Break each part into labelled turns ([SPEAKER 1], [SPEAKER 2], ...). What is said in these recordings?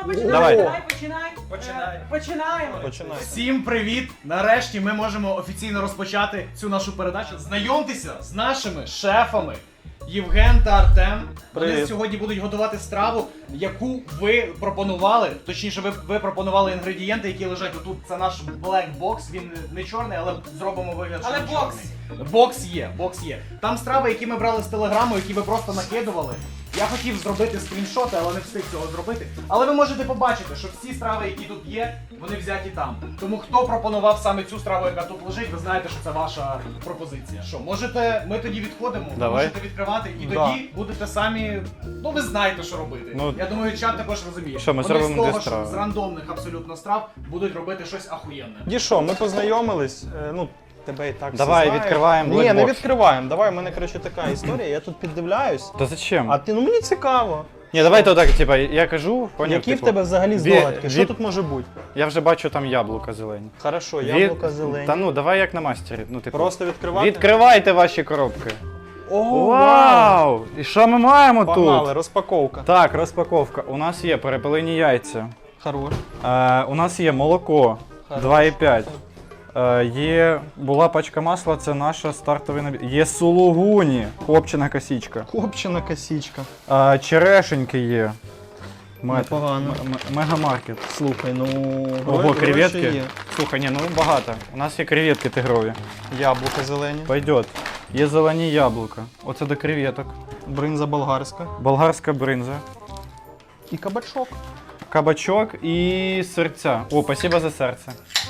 [SPEAKER 1] Починаємо.
[SPEAKER 2] Всім привіт! Нарешті ми можемо офіційно розпочати цю нашу передачу. Знайомтеся з нашими шефами Євген та Артем. Вони сьогодні будуть готувати страву, яку ви пропонували. Точніше, ви пропонували інгредієнти, які лежать отут. Це наш black box. Він не чорний, але зробимо вигляд, що він чорний. Бокс є. Там страви, які ми брали з телеграму, які ви просто накидували. Я хотів зробити скріншоти, але не встиг цього зробити. Але ви можете побачити, що всі страви, які тут є, вони взяті там. Тому хто пропонував саме цю страву, яка тут лежить, ви знаєте, що це ваша пропозиція. Що, можете, ми тоді відходимо, ви можете відкривати і тоді будете самі, ну ви знаєте, що робити. Я думаю, чат також розуміє.
[SPEAKER 3] Що, ми
[SPEAKER 2] вони з
[SPEAKER 3] зробимо
[SPEAKER 2] того,
[SPEAKER 3] дві страви.
[SPEAKER 2] з рандомних абсолютно страв будуть робити щось ахуєнне.
[SPEAKER 1] Дішо, ми познайомились, ну, тебе і так
[SPEAKER 3] Давай,
[SPEAKER 1] всі знають.
[SPEAKER 3] відкриваємо
[SPEAKER 1] Ні, не
[SPEAKER 3] blackbox.
[SPEAKER 1] відкриваємо, давай, у мене, коротше, така історія, я тут піддивляюсь,
[SPEAKER 3] Та зачем?
[SPEAKER 1] а ти, ну мені цікаво.
[SPEAKER 3] Ні, давай то так, типа, я кажу, поняв,
[SPEAKER 1] Які
[SPEAKER 3] типу,
[SPEAKER 1] в тебе взагалі здогадки, що тут може бути?
[SPEAKER 3] Я вже бачу там яблука зелені.
[SPEAKER 1] Хорошо, яблука зелені.
[SPEAKER 3] Та ну, давай як на мастері. Ну, типу,
[SPEAKER 1] Просто відкривати?
[SPEAKER 3] відкривайте ваші коробки.
[SPEAKER 1] Ого,
[SPEAKER 3] Вау! І що ми маємо
[SPEAKER 1] Погнали,
[SPEAKER 3] тут?
[SPEAKER 1] розпаковка.
[SPEAKER 3] Так, розпаковка. У нас є перепелині яйця.
[SPEAKER 1] Хорош.
[SPEAKER 3] У нас є молоко 2,5. Була пачка масла, це наша стартовий набір. Є сулугуні, копчена косічка.
[SPEAKER 1] Копчена косічка.
[SPEAKER 3] Черешеньки є.
[SPEAKER 1] Непогано.
[SPEAKER 3] Мегамаркет.
[SPEAKER 1] Слухай, ну,
[SPEAKER 3] Ого,
[SPEAKER 1] гроші
[SPEAKER 3] креветки.
[SPEAKER 1] є.
[SPEAKER 3] Слухай, ні, ну багато. У нас є креветки тигрові.
[SPEAKER 1] Яблука зелені.
[SPEAKER 3] Пойдет. Є зелені яблука. Оце до креветок.
[SPEAKER 1] Бринза болгарська.
[SPEAKER 3] Болгарська бринза.
[SPEAKER 1] І кабачок.
[SPEAKER 3] Кабачок і серця. О, спасибо за серце.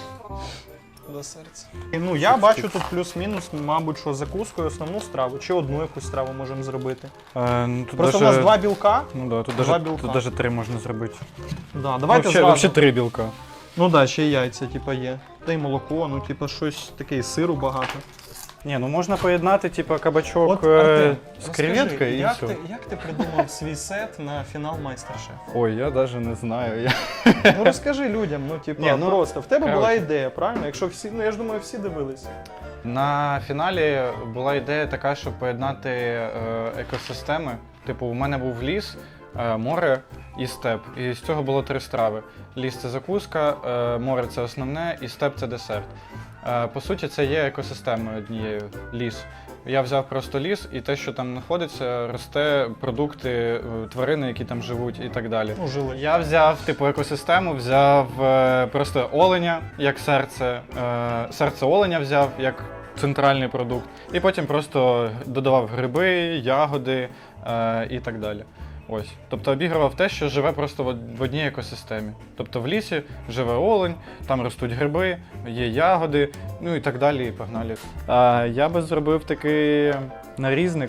[SPEAKER 1] До серця. Ну, я бачу тут плюс-мінус, мабуть, що закускою основну страву, чи одну якусь страву можемо зробити.
[SPEAKER 3] Ну, тут
[SPEAKER 1] Просто
[SPEAKER 3] даже...
[SPEAKER 1] у нас два білка.
[SPEAKER 3] Ну да, тут
[SPEAKER 1] два
[SPEAKER 3] даже,
[SPEAKER 1] білка.
[SPEAKER 3] тут даже 3 можна зробити.
[SPEAKER 1] Да, давайте
[SPEAKER 3] Вообще 3 білка.
[SPEAKER 1] Ну да, ще й яйця, типа, є. Та й молоко, ну, типа, щось таке, і сиру багато.
[SPEAKER 3] Ні, ну можна поєднати, типа, кабачок
[SPEAKER 1] От, Артем,
[SPEAKER 3] з креветкою і
[SPEAKER 1] як
[SPEAKER 3] все.
[SPEAKER 1] як ти придумав свій сет на фінал Майстер-шеф?
[SPEAKER 3] Ой, я даже не знаю.
[SPEAKER 1] Ну розкажи людям, ну, типа,
[SPEAKER 3] Ні, ну,
[SPEAKER 1] просто. В тебе була
[SPEAKER 3] коротше.
[SPEAKER 1] ідея, правильно? Якщо всі, ну я ж думаю, всі дивились.
[SPEAKER 3] На фіналі була ідея така, щоб поєднати екосистеми. Типу, у мене був ліс, море і степ. І з цього було 3 страви. Ліс – це закуска, море – це основне, і степ – це десерт. По суті, це є екосистемою однією – ліс. Я взяв просто ліс, і те, що там знаходиться, росте продукти, тварини, які там живуть і так далі.
[SPEAKER 1] Ну, жили.
[SPEAKER 3] Я взяв типу екосистему, взяв просто оленя як серце, серце оленя взяв як центральний продукт, і потім просто додавав гриби, ягоди і так далі. Ось. Тобто обігрував те, що живе просто в одній екосистемі. Тобто в лісі живе олень, там ростуть гриби, є ягоди, ну і так далі, і погнали. Я би зробив такий нарізник,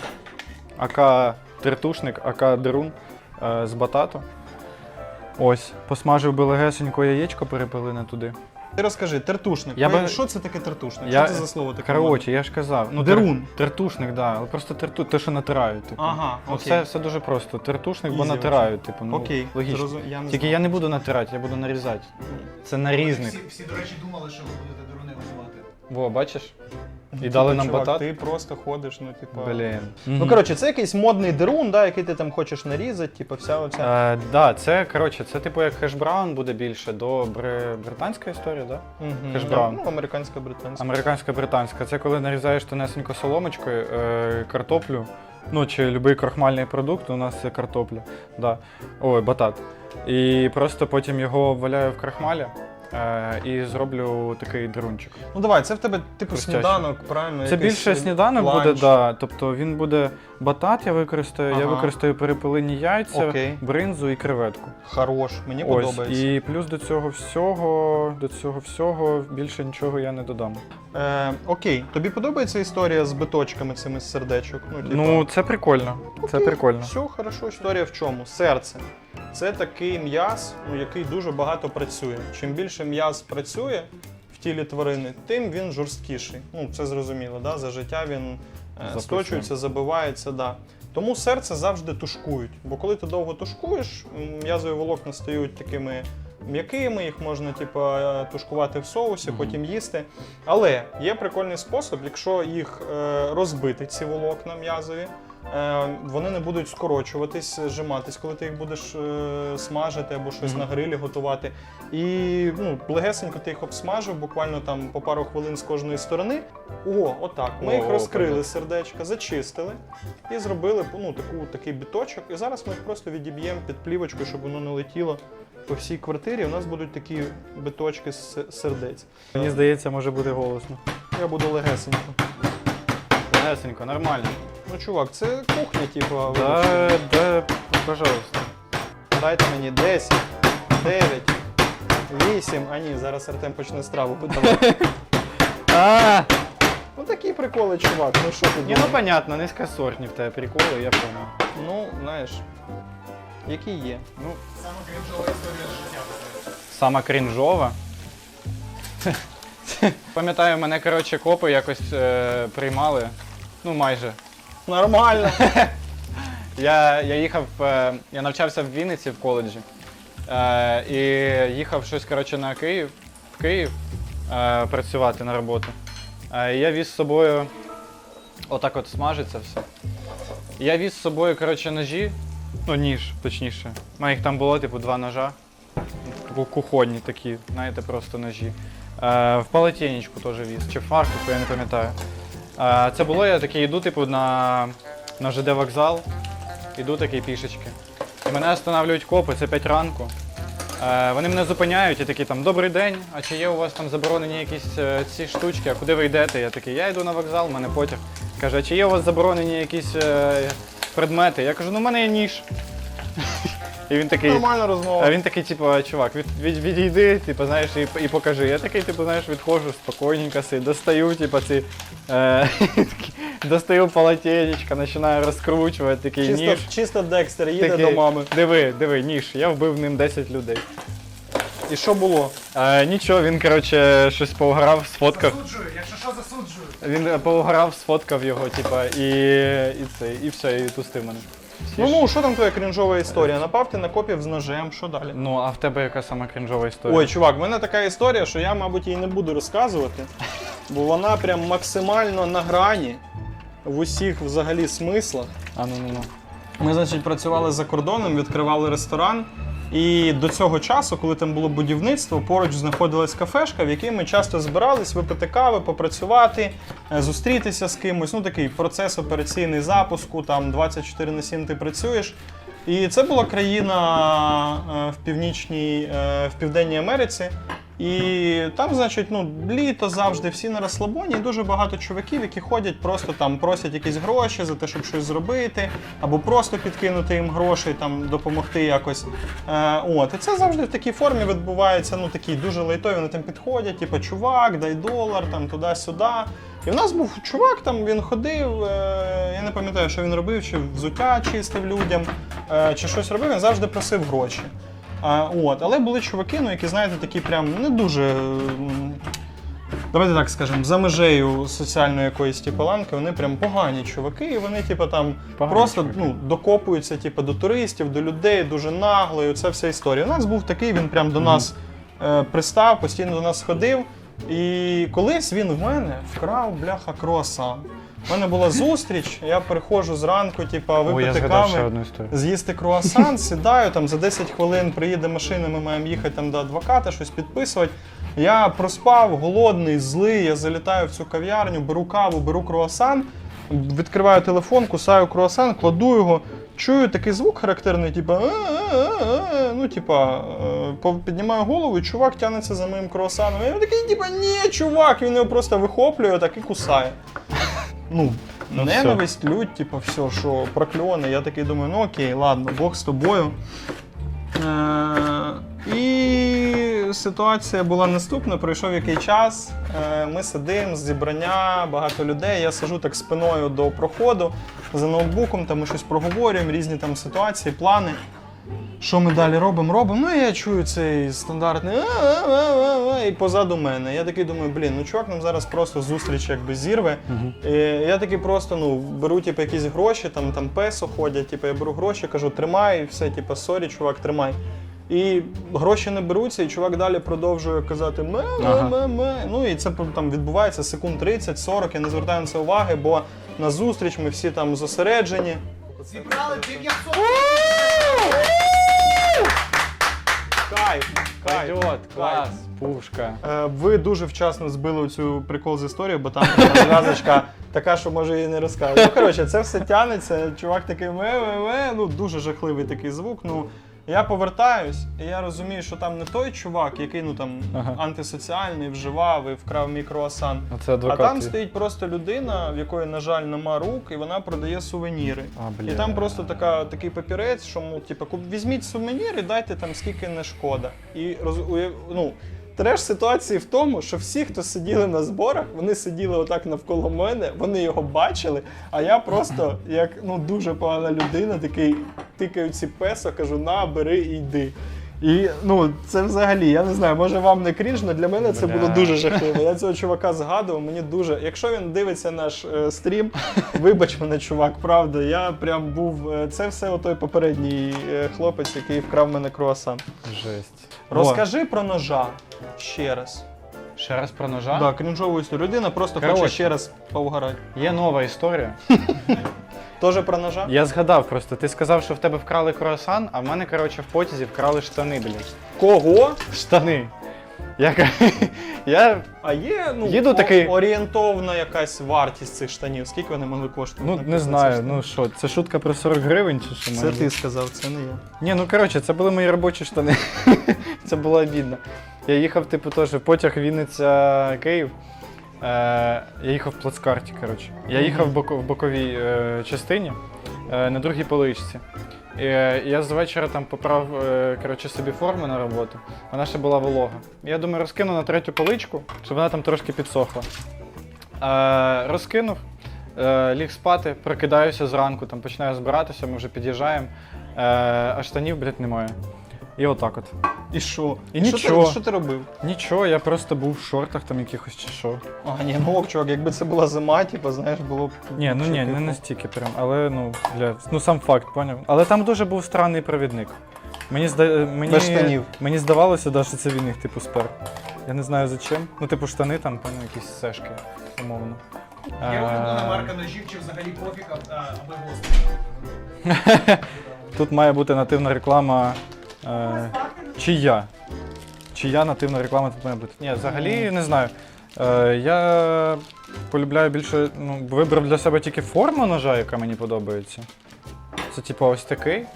[SPEAKER 3] ака тертушник, ака дерун з батату. Ось, посмажив би легесенько яєчко перепелине туди.
[SPEAKER 1] Ти розкажи, тертушник. Що це таке тертушник? Що це за слово таке?
[SPEAKER 3] Коротше, я ж казав. Ну,
[SPEAKER 1] дерун.
[SPEAKER 3] Тертушник, так. Да. Але просто те, що натирають. Типу.
[SPEAKER 1] Ага,
[SPEAKER 3] ну,
[SPEAKER 1] окей.
[SPEAKER 3] все дуже просто. Тертушник, бо
[SPEAKER 1] Ізі,
[SPEAKER 3] натирають. Типу, ну,
[SPEAKER 1] окей,
[SPEAKER 3] логічно.
[SPEAKER 1] я не
[SPEAKER 3] Тільки
[SPEAKER 1] знаю.
[SPEAKER 3] я не буду натирати, я буду нарізати. Це нарізник.
[SPEAKER 2] Всі, до речі, думали, що ви будете деруни визивати.
[SPEAKER 3] Во, бачиш? І
[SPEAKER 1] Типу,
[SPEAKER 3] дали нам
[SPEAKER 1] чувак,
[SPEAKER 3] батат.
[SPEAKER 1] Ти просто ходиш, ну, типу...
[SPEAKER 3] Блін.
[SPEAKER 1] Ну, коротше, це якийсь модний дерун, да, який ти там хочеш нарізати, типу, вся оця...
[SPEAKER 3] Да, це, коротше, це типу як хеш-браун буде більше до британська історія, да? Хеш-браун.
[SPEAKER 1] Ну, американська-британська.
[SPEAKER 3] Американська-британська. Це коли нарізаєш тонесенько соломочкою картоплю, ну чи будь-який крохмальний продукт, у нас це картопля, да. Ой, батат. І просто потім його обваляю в крахмалі і зроблю такий дерунчик.
[SPEAKER 1] Ну давай, це в тебе типу
[SPEAKER 3] Хрустяще.
[SPEAKER 1] сніданок, правильно?
[SPEAKER 3] Це
[SPEAKER 1] якийсь
[SPEAKER 3] більше сніданок
[SPEAKER 1] ланч.
[SPEAKER 3] буде, да. Тобто він буде батат, я використаю перепелині яйця,
[SPEAKER 1] Окей.
[SPEAKER 3] бринзу і креветку.
[SPEAKER 1] Хорош, мені
[SPEAKER 3] Ось,
[SPEAKER 1] подобається.
[SPEAKER 3] і плюс до цього всього більше нічого я не додам.
[SPEAKER 1] Окей, тобі подобається історія з биточками цими з сердечок? Типу...
[SPEAKER 3] Ну, це прикольно. Це прикольно.
[SPEAKER 1] Все, хорошо. Історія в чому? Серце. Це такий м'яз, який дуже багато працює. Чим більше м'яз працює в тілі тварини, тим він жорсткіший. Ну, це зрозуміло, да? За життя він сточується, забивається, да. Тому серце завжди тушкують. Бо коли ти довго тушкуєш, м'язові волокна стають такими м'якими, їх можна тушкувати в соусі, потім їсти. Але є прикольний спосіб, якщо їх розбити, ці волокна м'язові, вони не будуть скорочуватись, зжиматись, коли ти їх будеш смажити або щось на грилі готувати. І легесенько ти їх обсмажив, буквально там по пару хвилин з кожної сторони. Отак. Ми їх розкрили, сердечка, зачистили і зробили такий біточок. І зараз ми їх просто відіб'ємо під плівочкою, щоб воно не летіло по всій квартирі. У нас будуть такі биточки з сердець.
[SPEAKER 3] Мені здається, може бути голосно.
[SPEAKER 1] Я буду легесенько.
[SPEAKER 3] Легесенько, нормально.
[SPEAKER 1] Ну, чувак, це кухня, типу.
[SPEAKER 3] Да, пожалуйста.
[SPEAKER 1] Дайте мені 10, 9, 8. А ні, зараз Артем почне страву подавати. Ну такі приколи, чувак. Ну що ти
[SPEAKER 3] Ні, ну понятно, низькосортні в тебе приколи, я понял.
[SPEAKER 1] Ну, знаєш, які є.
[SPEAKER 3] Ну,
[SPEAKER 2] Саме крінжова історія з життя.
[SPEAKER 3] сама крінжова. Пам'ятаю, мене, коротше, копи якось приймали. Ну, майже.
[SPEAKER 1] Нормально.
[SPEAKER 3] Я їхав, я навчався в Вінниці в коледжі. І їхав щось, коротше, в Київ працювати на роботу. І я віз з собою, отак от смажиться все. Я віз з собою, коротше, ножі, ну ніж, точніше. У мене їх там було, типу, 2 ножа. Кухонні такі, знаєте, просто ножі. В полотенечку теж віз, чи в фартуку, я не пам'ятаю. Це було, я такий йду, типу, на ЖД вокзал, іду такий пішечки. І мене останавлюють копи, це 5 ранку. Вони мене зупиняють і такі там, добрий день, а чи є у вас там заборонені якісь ці штучки, а куди ви йдете? Я такий, я йду на вокзал, в мене потяг. Каже, а чи є у вас заборонені якісь предмети? Я кажу, ну в мене є ніж. І він такий,
[SPEAKER 1] Нормальна розмова.
[SPEAKER 3] а він такий, типу, чувак, відійди, типу, знаєш, і покажи. Я такий, типу, знаєш, відходжу, спокійненько достаю, типу, достаю полотенечко, починаю розкручувати, такий ніж.
[SPEAKER 1] Чисто Декстер їде
[SPEAKER 3] Такий,
[SPEAKER 1] до мами.
[SPEAKER 3] Диви, ніж, я вбив ним 10 людей.
[SPEAKER 1] І що було?
[SPEAKER 3] Нічого, він, коротше, щось поуграв, сфоткав.
[SPEAKER 2] Засуджую, якщо що, засуджую.
[SPEAKER 3] Він поуграв, сфоткав його, типа, і все, і пустив мене.
[SPEAKER 1] Ну, що там твоя крінжова історія? Напав ти на копів з ножем, що далі?
[SPEAKER 3] Ну, а в тебе яка сама крінжова історія?
[SPEAKER 1] Ой, чувак, в мене така історія, що я, мабуть, її не буду розказувати, бо вона прям максимально на грані в усіх взагалі смислах.
[SPEAKER 3] Ну.
[SPEAKER 1] Ми, значить, працювали за кордоном, відкривали ресторан. І до цього часу, коли там було будівництво, поруч знаходилась кафешка, в якій ми часто збирались випити кави, попрацювати, зустрітися з кимось. Ну, такий процес операційний запуску, там 24/7 ти працюєш. І це була країна в Південній Америці. І там, значить, літо завжди, всі на розслабоні, і дуже багато чуваків, які ходять, просто там просять якісь гроші за те, щоб щось зробити, або просто підкинути їм гроші, там, допомогти якось. І це завжди в такій формі відбувається, такі дуже лайтові, вони там підходять, типу, чувак, дай $1, там, туди-сюди. І в нас був чувак, там він ходив, я не пам'ятаю, що він робив, чи взуття чистив людям, чи щось робив, він завжди просив гроші. Але були чуваки, які, знаєте, такі прям не дуже, давайте так скажемо, за межею соціальної якоїсь ланки, вони прям погані чуваки, і вони там
[SPEAKER 3] Погані
[SPEAKER 1] просто
[SPEAKER 3] чуваки.
[SPEAKER 1] докопуються до туристів, до людей, дуже нагло, і це вся історія. У нас був такий, він прям до нас пристав, постійно до нас ходив, і колись він в мене вкрав, бляха, круасан. У мене була зустріч, я приходжу зранку, випити кави, з'їсти круасан, сідаю, там за 10 хвилин приїде машина, ми маємо їхати там до адвоката, щось підписувати. Я проспав, голодний, злий, я залітаю в цю кав'ярню, беру каву, беру круасан, відкриваю телефон, кусаю круасан, кладу його, чую такий звук характерний, піднімаю голову, і чувак тягнеться за моїм круасаном. Я такий, ні, чувак, він його просто вихоплює, так і кусає. Ненависть, лють, все, що прокльони. Я такий думаю, окей, ладно, Бог з тобою. І ситуація була наступна, пройшов який час, ми сидимо, зібрання, багато людей, я сиджу так спиною до проходу, за ноутбуком, там ми щось проговорюємо, різні там ситуації, плани. Що ми далі робимо? І я чую цей стандартний і позаду мене. Я такий думаю, чувак нам зараз просто зустріч зірве. І я такий просто, беру якісь гроші, там песо ходять, я беру гроші, кажу, тримай, і все, сорі, чувак, тримай. І гроші не беруться, і чувак далі продовжує казати ме. І це там відбувається секунд 30-40, я не звертаю на це уваги, бо на зустріч, ми всі там зосереджені.
[SPEAKER 2] Зібрали 900.
[SPEAKER 1] Кайф, кайф.
[SPEAKER 3] Пойдет, клас, пушка.
[SPEAKER 1] Ви дуже вчасно збили цю прикол з історією, бо там зв'язочка така, що може її не розказати. Ну, коротше, це все тянеться, чувак такий ме-ме-ме, ну дуже жахливий такий звук. Ну, я повертаюсь, і я розумію, що там не той чувак, який ну там антисоціальний, вживав і вкрав мій круасан.
[SPEAKER 3] Оце
[SPEAKER 1] А
[SPEAKER 3] адвокат.
[SPEAKER 1] там стоїть просто людина, в якої, на жаль, нема рук, і вона продає сувеніри. І там просто такий папірець, що ну, типу, візьміть сувенір і дайте там скільки не шкода. І ну, треш ситуації в тому, що всі, хто сиділи на зборах, вони сиділи отак навколо мене, вони його бачили, а я просто, як ну, дуже погана людина, такий тикаю ці песо, кажу, на, бери і йди. І ну, це взагалі, я не знаю, може вам не крінж, але для мене це було дуже жахливо. Я цього чувака згадував, мені дуже. Якщо він дивиться наш стрім, вибач мене, чувак, правда, я прям був. Це все отой попередній хлопець, який вкрав мене круасан.
[SPEAKER 3] Жесть.
[SPEAKER 1] Розкажи про ножа ще раз.
[SPEAKER 3] Ще раз про ножа?
[SPEAKER 1] Так, крінжову історію. Людина просто
[SPEAKER 3] Коротше.
[SPEAKER 1] хоче ще раз поугарати.
[SPEAKER 3] Є нова історія.
[SPEAKER 1] Тоже про ножа?
[SPEAKER 3] Я згадав просто, ти сказав, що в тебе вкрали круасан, а в мене, коротше, в потязі вкрали штани, блядь.
[SPEAKER 1] Кого?
[SPEAKER 3] Штани. Я
[SPEAKER 1] А є ну,
[SPEAKER 3] Їду такий-
[SPEAKER 1] орієнтовна якась вартість цих штанів? Скільки вони могли коштувати?
[SPEAKER 3] ну не знаю, ну що, це шутка про 40 гривень чи що?
[SPEAKER 1] Це ти сказав, це не я.
[SPEAKER 3] Ні, ну коротше, це були мої робочі штани. Це було обідно. Я їхав, типу, теж потяг Вінниця-Київ. Я їхав в плацкарті, коротше. Я їхав в боковій частині, на другій поличці. І я з вечора там поправ коротше, собі форму на роботу. Вона ще була волога. Я думаю, розкину на третю поличку, щоб вона там трошки підсохла. Розкинув, ліг спати, прокидаюся зранку, там починаю збиратися, ми вже під'їжджаємо, а штанів, блядь, немає. І отак от.
[SPEAKER 1] І що?
[SPEAKER 3] І нічого.
[SPEAKER 1] Що ти робив?
[SPEAKER 3] Нічого, я просто був в шортах там якихось чи що.
[SPEAKER 1] А, ні, ну ок, чувак, якби це була зима, типу, знаєш, було б...
[SPEAKER 3] Ні, ну ні, не настільки прям, але ну, ну сам факт, поняв. Але там дуже був странний провідник.
[SPEAKER 1] Без штанів.
[SPEAKER 3] Мені здавалося, да, що це він їх типу спер. Я не знаю за чим. Ну, типу, штани там, певно, якісь сешки, умовно.
[SPEAKER 2] Є улюблена марка ножів чи взагалі пофіг, аби гострий.
[SPEAKER 3] Тут має бути нативна реклама. Чия? Чия нативна реклама тут має бути? Ні, взагалі не знаю. Я полюбляю більше, ну, вибрав для себе тільки форму ножа, яка мені подобається. Це типу ось такий.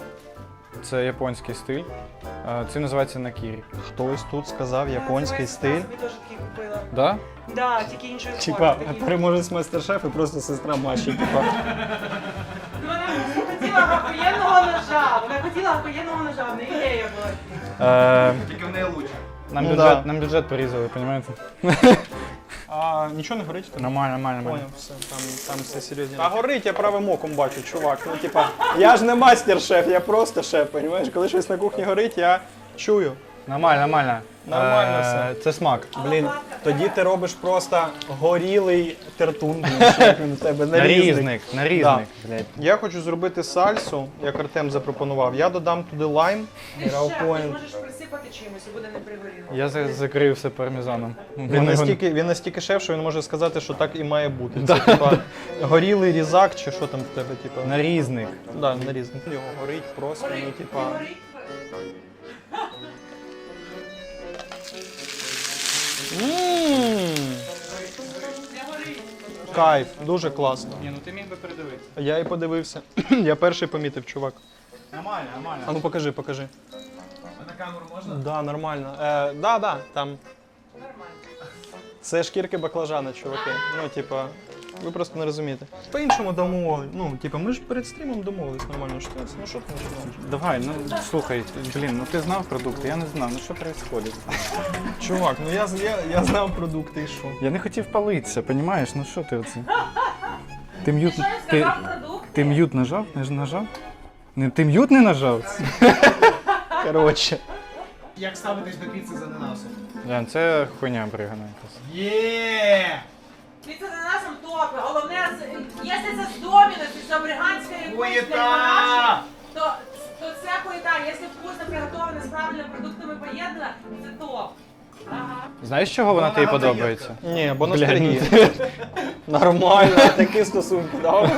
[SPEAKER 3] Це японський стиль. Це називається накірі.
[SPEAKER 1] Хтось тут сказав японський стиль.
[SPEAKER 4] Я собі теж такий купила.
[SPEAKER 3] Да?
[SPEAKER 4] Да, тільки іншої
[SPEAKER 1] Типа,
[SPEAKER 4] форми. такі.
[SPEAKER 1] переможець майстер-шеф і просто сестра Маші. Типа.
[SPEAKER 4] Ну, вона просто хотіла охуєнного ножа. Вона хотіла охуєнного ножа, в неї ідея була.
[SPEAKER 2] Тільки в неї лучше.
[SPEAKER 1] Ну да.
[SPEAKER 3] Нам бюджет порізали, розумієте?
[SPEAKER 1] А нічого не горить?
[SPEAKER 3] Нормально, нормально.
[SPEAKER 1] Поняв, все, там все серйозно. А горить, я правим оком бачу, чувак. Ну, типа, я ж не мастер-шеф, я просто шеф, розумієш? Коли щось на кухні горить, я чую.
[SPEAKER 3] Нормально, нормально.
[SPEAKER 1] Нормально все.
[SPEAKER 3] Це смак.
[SPEAKER 1] Блін, тоді ти робиш просто горілий тертун, блін, що як він у тебе нарізник.
[SPEAKER 3] Нарізник, блядь.
[SPEAKER 1] Я хочу зробити сальсу, як Артем запропонував. Я додам туди лайм,
[SPEAKER 4] Ти шеф, ти
[SPEAKER 1] грауфоін.
[SPEAKER 4] можеш присипати чимось і буде не пригоріло.
[SPEAKER 3] Я закрию все пармезаном.
[SPEAKER 1] Він настільки шеф, що він може сказати, що так і має бути. Це типа горілий різак чи що там в тебе, типа.
[SPEAKER 3] Нарізник.
[SPEAKER 1] Да, нарізник. Його горить просто, ну типа.
[SPEAKER 4] Горить.
[SPEAKER 1] Ммм,
[SPEAKER 4] Не горить.
[SPEAKER 1] кайф, дуже класно.
[SPEAKER 3] Ні, ну ти міг би передивитися.
[SPEAKER 1] Я і подивився. Я перший помітив, чувак.
[SPEAKER 3] Нормально, нормально.
[SPEAKER 1] А ну покажи, покажи.
[SPEAKER 2] А на камеру можна?
[SPEAKER 1] Да, нормально. Да, там.
[SPEAKER 4] Нормально.
[SPEAKER 1] Це шкірки баклажана, чуваки. Ну, типа, ви просто не розумієте. По-іншому домовились. Ну, типа, ми ж перед стрімом домовились нормально. Що це? Ну що ти починаєш?
[SPEAKER 3] Давай, ну слухай, блін, ну ти знав продукти, я не знав, ну що відбувається?
[SPEAKER 1] Чувак, ну я знав продукти і що.
[SPEAKER 3] Я не хотів палитися, розумієш? Ну що ти оце? Ти м'ют,
[SPEAKER 4] Що я сказав продукт?
[SPEAKER 3] ти м'ют нажав? Не ж нажав? Не, ти м'ют не нажав?
[SPEAKER 1] Коротше.
[SPEAKER 2] Як ставитись до піци з ананасом?
[SPEAKER 3] Ян, це хуйня бригана якась.
[SPEAKER 2] Є!
[SPEAKER 4] Піца з ананасом топи. Головне, якщо це з Домінос і з абриганської
[SPEAKER 2] Хуєта!
[SPEAKER 4] то це хуєта. Якщо вкусно приготовлено з правильними продуктами поєднано, це топ.
[SPEAKER 3] Знаєш, чого вона тобі подобається?
[SPEAKER 1] Ні, бо
[SPEAKER 3] Бля,
[SPEAKER 1] ностальгія. Нормально, такі стосунки, да?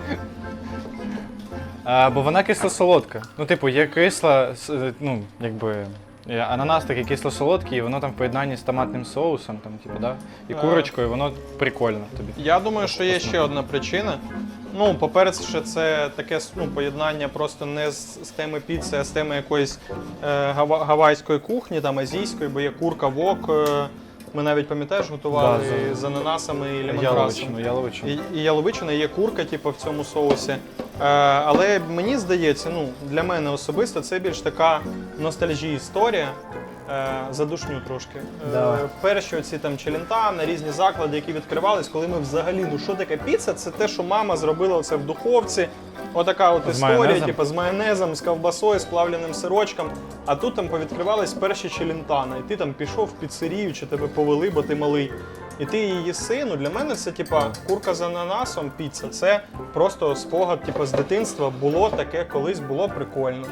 [SPEAKER 3] Бо вона кисло-солодка. Ну, типу, є кисла, ну, якби. Ананас такий кисло-солодкий, і воно там в поєднанні з томатним соусом, там, типу, да? І курочкою, воно прикольно тобі.
[SPEAKER 1] Я думаю, що є ще одна причина. Ну, по-перше, це таке поєднання просто не з теми піци, а з теми якоїсь гавайської кухні, там азійської, бо є курка вок. Ми навіть, пам'ятаєш, готували
[SPEAKER 3] Да,
[SPEAKER 1] з ананасами і лемонграсом.
[SPEAKER 3] Яловичину.
[SPEAKER 1] І яловичина, є курка, типу, в цьому соусі. Але мені здається, ну, для мене особисто це більш така ностальжія історія. Задушню трошки.
[SPEAKER 3] Давай.
[SPEAKER 1] Перші оці там челентано, різні заклади, які відкривались, коли ми взагалі, ну що таке піца? Це те, що мама зробила це в духовці. Отака от
[SPEAKER 3] З
[SPEAKER 1] історія,
[SPEAKER 3] майонезом?
[SPEAKER 1] типу, з майонезом, з ковбасою, з плавленим сирочком. А тут там повідкривались перші челентано. І ти там пішов в піцерію, чи тебе повели, бо ти малий. І ти її їси. Ну для мене це типа курка з ананасом, піца. Це просто спогад, типу, з дитинства. Було таке, колись було прикольно.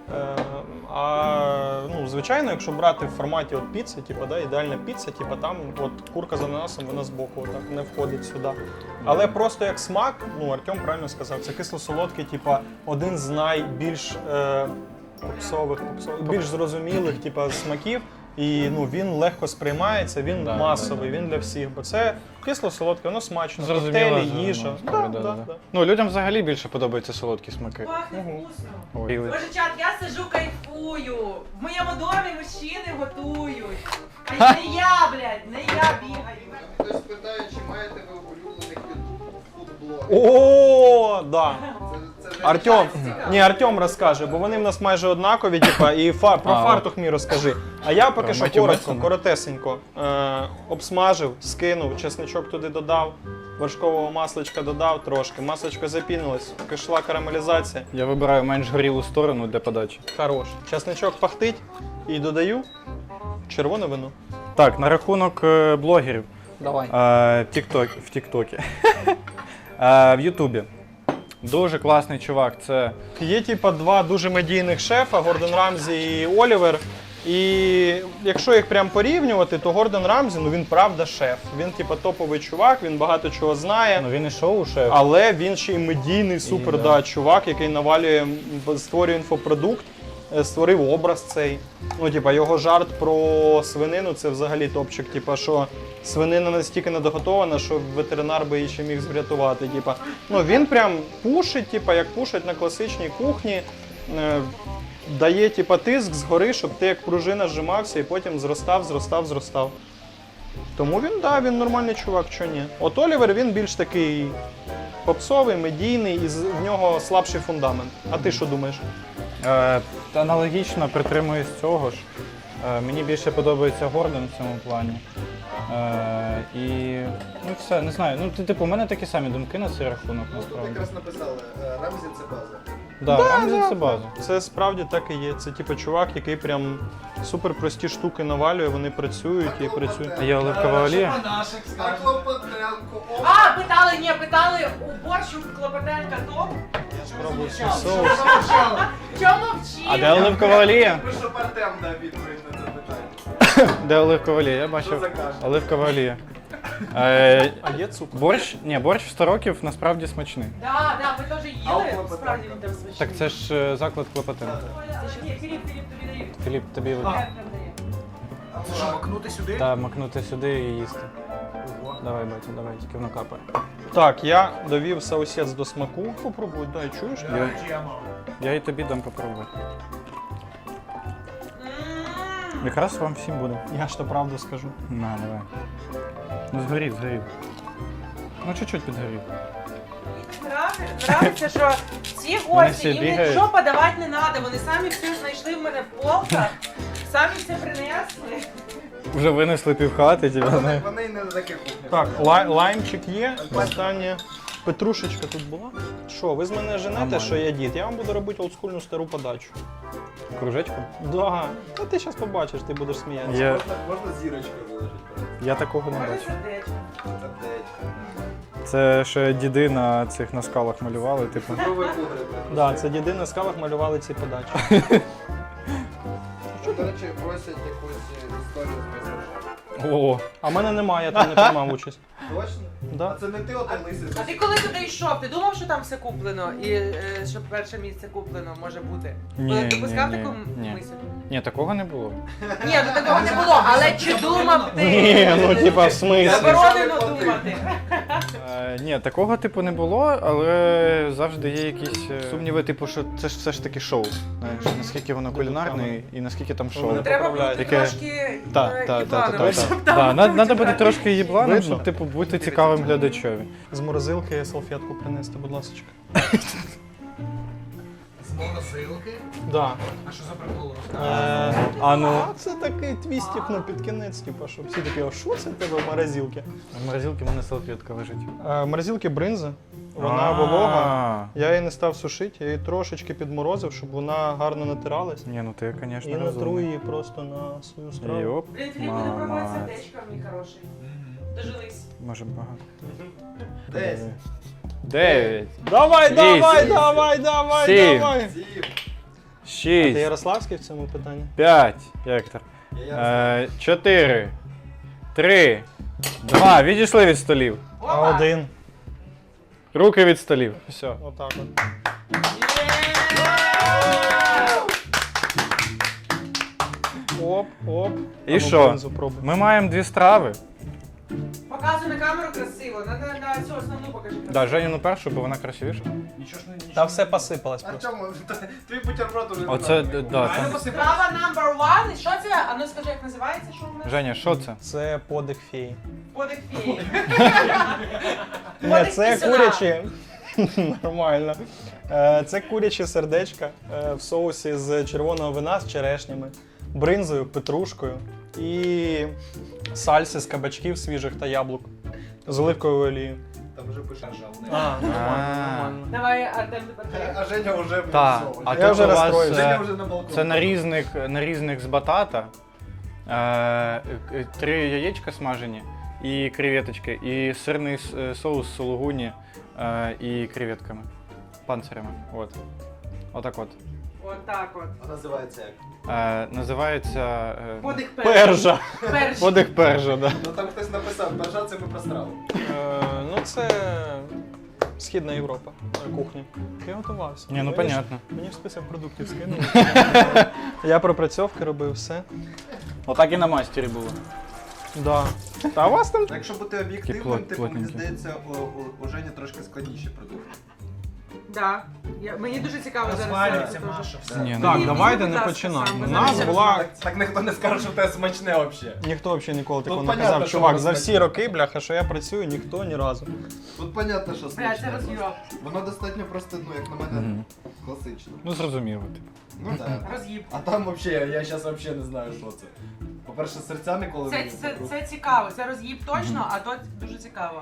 [SPEAKER 1] Ну, звичайно, якщо брати в форматі от піци, типу, да, ідеальна піца, типу, там от курка з ананасом, вона збоку отак не входить сюди. Але просто як смак, ну Артем правильно сказав, це кисло-солодкий, типу, один з найбільш попсових, більш зрозумілих, типу, смаків. І ну, він легко сприймається, він масовий, він для всіх. Бо це кисло-солодке, воно смачно, коктейлі, їжа. Да.
[SPEAKER 3] Ну, людям взагалі більше подобаються солодкі смаки.
[SPEAKER 4] Пахне вкусно.
[SPEAKER 3] Ой.
[SPEAKER 4] Боже, чат, я сижу, кайфую. В моєму домі мужчини готують. А не я, блядь, не я бігаю.
[SPEAKER 5] Хтось питає, чи маєте ви улюблених фудблогерів.
[SPEAKER 1] О, да.
[SPEAKER 5] Це вже
[SPEAKER 1] Артем, ні, Артем розкаже, бо вони в нас майже однакові, типа, і про фартух мій розкажи. А я поки
[SPEAKER 3] Про
[SPEAKER 1] що
[SPEAKER 3] Меттю
[SPEAKER 1] коротко,
[SPEAKER 3] Мессона?
[SPEAKER 1] коротесенько обсмажив, скинув, чесничок туди додав, вершкового масличка додав трошки, масличко запінилось, пішла карамелізація.
[SPEAKER 3] Я вибираю менш горілу сторону для подачі.
[SPEAKER 1] Хорош. Чесничок пахтить і додаю червоне вино.
[SPEAKER 3] Так, на рахунок блогерів.
[SPEAKER 1] Давай.
[SPEAKER 3] В Тіктокі. В Ютубі. Дуже класний чувак. Це
[SPEAKER 1] Є типа два дуже медійних шефа, Гордон Рамзі і Олівер. І якщо їх прям порівнювати, то Гордон Рамзі, ну він правда шеф. Він типа топовий чувак, він багато чого знає.
[SPEAKER 3] ну, він і шоу-шеф.
[SPEAKER 1] Але він ще й медійний супер
[SPEAKER 3] да.
[SPEAKER 1] чувак, який навалює, створює інфопродукт, створив образ цей. Ну, типа, його жарт про свинину це взагалі топчик. Типа, що свинина настільки недоготована, що ветеринар би її ще міг врятувати. Типа, ну він прям пушить, типа, як пушить на класичній кухні. Дає типа тиск згори, щоб ти як пружина зжимався і потім зростав. Тому він нормальний чувак, що ні. От Олівер, він більш такий попсовий, медійний, і в нього слабший фундамент. А ти що думаєш?
[SPEAKER 3] Аналогічно притримуюсь цього ж. Мені більше подобається Гордон в цьому плані. І ну все, не знаю. Ну, типу, у мене такі самі думки на цей рахунок,
[SPEAKER 5] Тут
[SPEAKER 3] насправді.
[SPEAKER 5] якраз написали, Рамзі це база.
[SPEAKER 3] Да, Рамзі це база.
[SPEAKER 1] Це справді так і є. Це типу чувак, який прям супер прості штуки навалює, вони працюють і працюють.
[SPEAKER 3] А є оливкова олія?
[SPEAKER 2] Наших
[SPEAKER 5] А
[SPEAKER 2] скажемо.
[SPEAKER 5] Клопотенко, о!
[SPEAKER 4] А, питали, у борщу Клопотенка топ?
[SPEAKER 1] Пробуй свій
[SPEAKER 2] Що
[SPEAKER 1] соус.
[SPEAKER 2] замовчали?
[SPEAKER 4] Чому мовчиш?
[SPEAKER 3] А де оливкова олія?
[SPEAKER 5] Ви щоб Артем дав відповідь на це питання.
[SPEAKER 3] Де оливкова олія? Я
[SPEAKER 5] Що
[SPEAKER 3] бачив.
[SPEAKER 5] закажете?
[SPEAKER 3] Оливкова олія.
[SPEAKER 1] А є цукор?
[SPEAKER 3] Борщ в 100 років насправді смачний.
[SPEAKER 4] Да, ми теж
[SPEAKER 5] А у
[SPEAKER 4] їли,
[SPEAKER 5] Клопотенка?
[SPEAKER 4] справді він там смачний.
[SPEAKER 3] Так це ж заклад Клопотенка.
[SPEAKER 4] Ні, Філіп, тобі даю.
[SPEAKER 3] Філіп, тобі
[SPEAKER 4] Прям дає.
[SPEAKER 2] Це що, макнути сюди?
[SPEAKER 3] та макнути сюди і їсти. Давай, батя, давай, тільки воно капає.
[SPEAKER 1] Так, я довів саусець до смаку. Попробуй, дай, чуєш?
[SPEAKER 3] Я і тобі дам попробувати.
[SPEAKER 4] М.
[SPEAKER 3] Якраз вам всім буде.
[SPEAKER 1] Я ж то правду скажу.
[SPEAKER 3] На, давай. Ну згорів. Ну чуть-чуть підгорів.
[SPEAKER 4] Нравиться, що ці
[SPEAKER 3] Вони
[SPEAKER 4] гості,
[SPEAKER 3] всі
[SPEAKER 4] їм
[SPEAKER 3] бігають.
[SPEAKER 4] нічого подавати не треба, вони самі все знайшли в мене в полках, самі все принесли.
[SPEAKER 3] Вже винесли півхати, тебе знаю.
[SPEAKER 5] Вони не на таких кухнях.
[SPEAKER 1] Так, лаймчик є. Останнє. Петрушечка тут була. Що, ви з мене женете,
[SPEAKER 3] Нормально.
[SPEAKER 1] що я дід? Я вам буду робити олдскульну стару подачу.
[SPEAKER 3] Кружечку?
[SPEAKER 1] Да. Та ти зараз побачиш, ти будеш сміятися.
[SPEAKER 5] Можна зірочкою виложити?
[SPEAKER 3] Я такого не
[SPEAKER 4] Може
[SPEAKER 3] бачу.
[SPEAKER 4] сердечко.
[SPEAKER 5] Сердечко.
[SPEAKER 3] Це ще діди на цих на скалах малювали, типу.
[SPEAKER 5] Цукровий пудрик.
[SPEAKER 1] Да, це діди на скалах малювали ці подачі.
[SPEAKER 5] До речі, просять якусь історію з майстершефом.
[SPEAKER 3] О,
[SPEAKER 1] А в мене немає, я там не приймав участь.
[SPEAKER 5] Точно?
[SPEAKER 1] Да.
[SPEAKER 5] А це не ти отой лисий?
[SPEAKER 4] А ти коли туди йшов, ти думав, що там все куплено і що перше місце куплено може бути?
[SPEAKER 3] Ні,
[SPEAKER 4] Допускав
[SPEAKER 3] ні,
[SPEAKER 4] таку
[SPEAKER 3] ні.
[SPEAKER 4] мисль?
[SPEAKER 3] ні, такого не було.
[SPEAKER 4] Ні, ну такого не було, але чи думав ти?
[SPEAKER 1] Ні, ну типа в смислі.
[SPEAKER 4] Заборонено думати.
[SPEAKER 3] Ні, такого типу не було, але завжди є якісь сумніви, типу, що це ж все ж таки шоу. Знаєш, наскільки воно кулінарне і наскільки там шоу.
[SPEAKER 1] Вони
[SPEAKER 4] Треба бути
[SPEAKER 1] поправляють.
[SPEAKER 3] Таке-
[SPEAKER 4] трошки
[SPEAKER 3] Так.
[SPEAKER 4] їблановим, щоб там
[SPEAKER 3] Треба бути трошки їбланом,
[SPEAKER 1] Видно?
[SPEAKER 3] щоб типу бути цікавим глядачові.
[SPEAKER 1] З морозилки салфетку принести, будь ласка.
[SPEAKER 2] З морозилки?
[SPEAKER 1] Да.
[SPEAKER 2] А що за прикол?
[SPEAKER 3] А ну.
[SPEAKER 1] А це такий твістик, ну під кінець, типу, щоб всі такі, а що це в тебе в морозилці?
[SPEAKER 3] В морозилці в мене салфетка лежить.
[SPEAKER 1] В морозилці бринза, вона волога. Я її не став сушити, я її трошечки підморозив, щоб вона гарно натиралась.
[SPEAKER 3] Ні, ну ти, звісно,
[SPEAKER 1] І натру
[SPEAKER 3] розумний.
[SPEAKER 1] її просто на свою страву.
[SPEAKER 3] Йоп,
[SPEAKER 4] Блін, Філіп буде пробувати
[SPEAKER 3] мама.
[SPEAKER 4] сердечко, мій хороший. Дожились.
[SPEAKER 3] Може багато.
[SPEAKER 5] 10,
[SPEAKER 3] 9,
[SPEAKER 1] Давай,
[SPEAKER 3] Вісім.
[SPEAKER 1] давай,
[SPEAKER 3] Сім.
[SPEAKER 1] давай!
[SPEAKER 5] 7.
[SPEAKER 1] Ти
[SPEAKER 3] 6,
[SPEAKER 1] Ярославський в цьому питанні?
[SPEAKER 3] 5, Віктор.
[SPEAKER 5] Я
[SPEAKER 3] 4, 3, 2. Відійшли від столів.
[SPEAKER 1] А
[SPEAKER 4] Опа!
[SPEAKER 1] один.
[SPEAKER 3] Руки від столів. Все.
[SPEAKER 1] Отак от. Оп, оп.
[SPEAKER 3] І
[SPEAKER 1] А ну,
[SPEAKER 3] що?
[SPEAKER 1] бринзу пробуй.
[SPEAKER 3] Ми маємо 2 страви.
[SPEAKER 4] Показуй на камеру красиво, на цю основну покажи красиво.
[SPEAKER 3] Да, Женіну першу, бо вона красивіша.
[SPEAKER 2] Нічого ж не...
[SPEAKER 1] Та все посипалось
[SPEAKER 5] А
[SPEAKER 1] просто.
[SPEAKER 5] чому? Твій бутерброд уже
[SPEAKER 3] Оце,
[SPEAKER 5] не
[SPEAKER 3] да,
[SPEAKER 2] Реально
[SPEAKER 3] там.
[SPEAKER 2] посипалось?
[SPEAKER 4] Справа number one. І що це? А ну скажи, як називається, що у нас?
[SPEAKER 3] Женя, що це?
[SPEAKER 1] Це подих феї.
[SPEAKER 4] Подих феї.
[SPEAKER 1] Ні,
[SPEAKER 4] Подих
[SPEAKER 1] це
[SPEAKER 4] пісюна.
[SPEAKER 1] курячі. Нормально. Це курячі сердечка в соусі з червоного вина з черешнями, бринзою, петрушкою і сальси з кабачків свіжих та яблук з оливковою олією.
[SPEAKER 5] Там вже пише жал.
[SPEAKER 1] Нормально.
[SPEAKER 4] Давай, Артем, тепер ти.
[SPEAKER 5] А Женя вже
[SPEAKER 3] Так,
[SPEAKER 5] все.
[SPEAKER 3] а
[SPEAKER 1] Я
[SPEAKER 3] тут
[SPEAKER 1] вже
[SPEAKER 3] у вас,
[SPEAKER 1] розстроївся.
[SPEAKER 5] Женя вже на балконі.
[SPEAKER 3] це нарізник з батата, 3 яєчка смажені і креветочки, і сирний соус сулугуні і креветками, панцирями. От. Отак от.
[SPEAKER 4] Отак от.
[SPEAKER 5] А називається як?
[SPEAKER 3] Називається
[SPEAKER 4] Подих
[SPEAKER 1] Пержа.
[SPEAKER 4] Перший.
[SPEAKER 3] подих пержа, да.
[SPEAKER 5] Ну там хтось написав, пержа це ми про страву.
[SPEAKER 1] Ну це Східна Європа, кухня. Я готувався.
[SPEAKER 3] Ні, ну
[SPEAKER 1] Мені ж-
[SPEAKER 3] понятно.
[SPEAKER 1] Мені ж список продуктів скинули. Я пропрацьовки робив все.
[SPEAKER 3] Отак і на мастері було.
[SPEAKER 1] Да. Та у вас там
[SPEAKER 5] Якщо бути об'єктивним,
[SPEAKER 3] Такі
[SPEAKER 5] типу, мені
[SPEAKER 3] плотненькі.
[SPEAKER 5] здається, у Жені трошки складніші продукти.
[SPEAKER 4] Да. Мені дуже цікаво зараз.
[SPEAKER 2] Розвалюється
[SPEAKER 4] це теж.
[SPEAKER 2] Маша, все.
[SPEAKER 5] Да.
[SPEAKER 3] Ні,
[SPEAKER 1] Так,
[SPEAKER 4] Ні,
[SPEAKER 1] давайте
[SPEAKER 4] будь
[SPEAKER 1] не
[SPEAKER 4] ласка,
[SPEAKER 1] починаємо.
[SPEAKER 4] сам,
[SPEAKER 1] У
[SPEAKER 4] ви
[SPEAKER 1] нас
[SPEAKER 4] знаєте,
[SPEAKER 1] була.
[SPEAKER 5] Так ніхто не скаже, що те смачне взагалі.
[SPEAKER 1] Ніхто взагалі ніколи такого
[SPEAKER 5] Тут
[SPEAKER 1] не
[SPEAKER 5] понятно,
[SPEAKER 1] казав.
[SPEAKER 5] що
[SPEAKER 1] Чувак,
[SPEAKER 5] воно
[SPEAKER 1] за всі
[SPEAKER 5] смачне.
[SPEAKER 1] роки, бляха, що я працюю, ніхто ні разу.
[SPEAKER 5] Тут понятно, що
[SPEAKER 4] Бля,
[SPEAKER 5] смачне.
[SPEAKER 4] це роз'їб.
[SPEAKER 5] Воно достатньо просто, ну, як на мене,
[SPEAKER 3] Мгм.
[SPEAKER 5] класично.
[SPEAKER 3] Ну зрозуміло. Типу.
[SPEAKER 5] Ну так.
[SPEAKER 4] Роз'їб.
[SPEAKER 5] А там взагалі, я зараз взагалі не знаю, що це. По-перше, серця ніколи не
[SPEAKER 4] Це цікаво. Це роз'їб точно, а то дуже цікаво.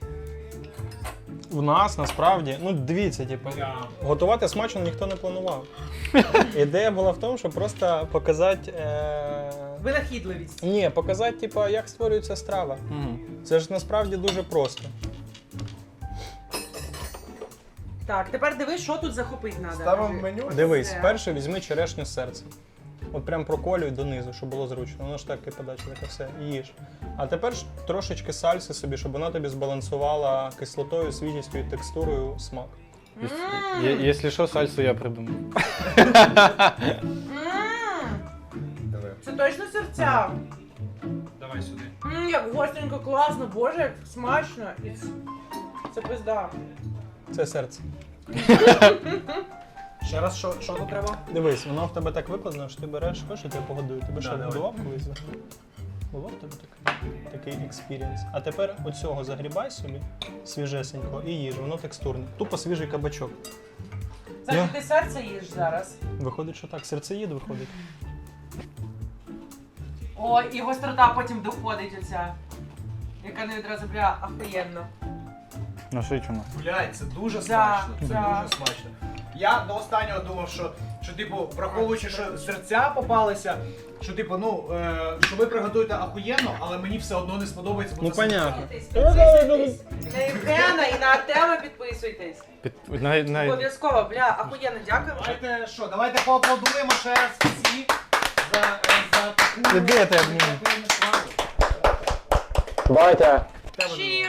[SPEAKER 1] В нас насправді, ну дивіться, типу,
[SPEAKER 2] Я.
[SPEAKER 1] готувати смачно ніхто не планував. Ідея була в тому, щоб просто показати.
[SPEAKER 4] Винахідливість.
[SPEAKER 1] Ні, показати, типу, як створюється страва.
[SPEAKER 3] Угу.
[SPEAKER 1] Це ж насправді дуже просто.
[SPEAKER 4] Так, тепер дивись, що тут захопити треба.
[SPEAKER 5] Ставимо меню.
[SPEAKER 1] Дивись,
[SPEAKER 4] Це.
[SPEAKER 1] перше візьми черешню з серцем. От прям проколюй донизу, щоб було зручно. Воно ж так і подача, таке все, і їж. А тепер ж трошечки сальси собі, щоб вона тобі збалансувала кислотою, свіжістю і текстурою смак.
[SPEAKER 3] Якщо що, сальсу я придумав.
[SPEAKER 5] Давай.
[SPEAKER 4] Це точно серця.
[SPEAKER 2] Давай сюди.
[SPEAKER 4] Як гостренько, класно, боже, як смачно. І це пизда.
[SPEAKER 1] Це серце.
[SPEAKER 2] Ще раз, що тут треба?
[SPEAKER 1] Дивись, воно в тебе так викладено, що ти береш, хочеш, я тебе погодую. Тебе що,
[SPEAKER 2] давай.
[SPEAKER 1] годував колись? Було в тебе такий експірієнс. А тепер оцього загрібай собі свіжесенько і їж, воно текстурне. Тупо свіжий кабачок.
[SPEAKER 4] Це ти серце їш зараз.
[SPEAKER 1] Виходить, що так, серцеїд виходить.
[SPEAKER 4] О, і гострота потім доходить оця. Яка не відразу бля, ахуєнно.
[SPEAKER 3] Насичено.
[SPEAKER 2] Блядь, це дуже
[SPEAKER 4] Да,
[SPEAKER 2] смачно. Це
[SPEAKER 4] да.
[SPEAKER 2] дуже смачно. Я до останнього думав, що типу, враховуючи, що серця попалися, що типу, що ви приготуєте ахуєнно, але мені все одно не сподобається, бо
[SPEAKER 1] Ну,
[SPEAKER 2] це
[SPEAKER 1] понятно.
[SPEAKER 4] Підписуйтесь. На Євгена і на Артема підписуйтесь. Обов'язково, бля, ахуєнно, дякуємо.
[SPEAKER 2] Давайте поаплодуємо ще раз всі за таку
[SPEAKER 1] Іди, я тебе
[SPEAKER 2] дякуємо справу.
[SPEAKER 6] Батя.
[SPEAKER 4] Cheers!